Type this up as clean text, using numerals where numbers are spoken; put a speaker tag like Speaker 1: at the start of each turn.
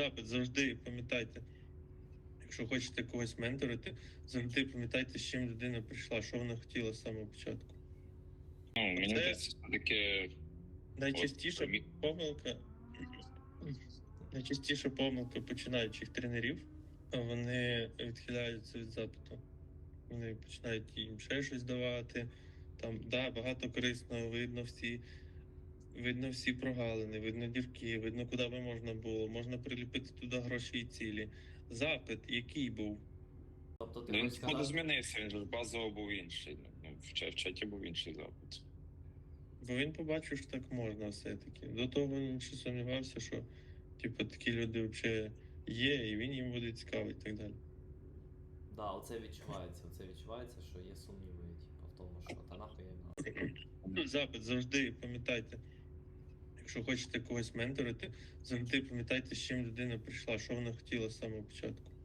Speaker 1: запит, завжди пам'ятайте, якщо хочете когось менторити, завжди пам'ятайте, з чим людина прийшла, що вона хотіла з самого початку.
Speaker 2: Ну, мені
Speaker 1: Це
Speaker 2: здається, таке
Speaker 1: найчастіша помилка. Найчастіша помилка починаючих тренерів, вони відхиляються від запиту. Вони починають їм ще щось давати. Там, да, багато корисного, видно всі прогалини, видно дірки, видно, куди би можна було. Можна приліпити туди гроші і цілі. Запит, який був?
Speaker 3: Тобто ти
Speaker 2: він
Speaker 3: хочеш
Speaker 2: походу
Speaker 3: сказати,
Speaker 2: змінився, він же базово був інший. Ну, в чаті був інший запит.
Speaker 1: Бо він побачив, що так можна все-таки. До того він ще сумнівався, що типу, такі люди взагалі є, і він їм буде цікавий і так далі.
Speaker 3: да, оце відчувається, що є сумніви, типу, в тому, що та нахуй я їм надо.
Speaker 1: Запит, завжди пам'ятайте. Якщо хочете когось менторити, завжди пам'ятайте, з чим людина прийшла, що вона хотіла з самого початку.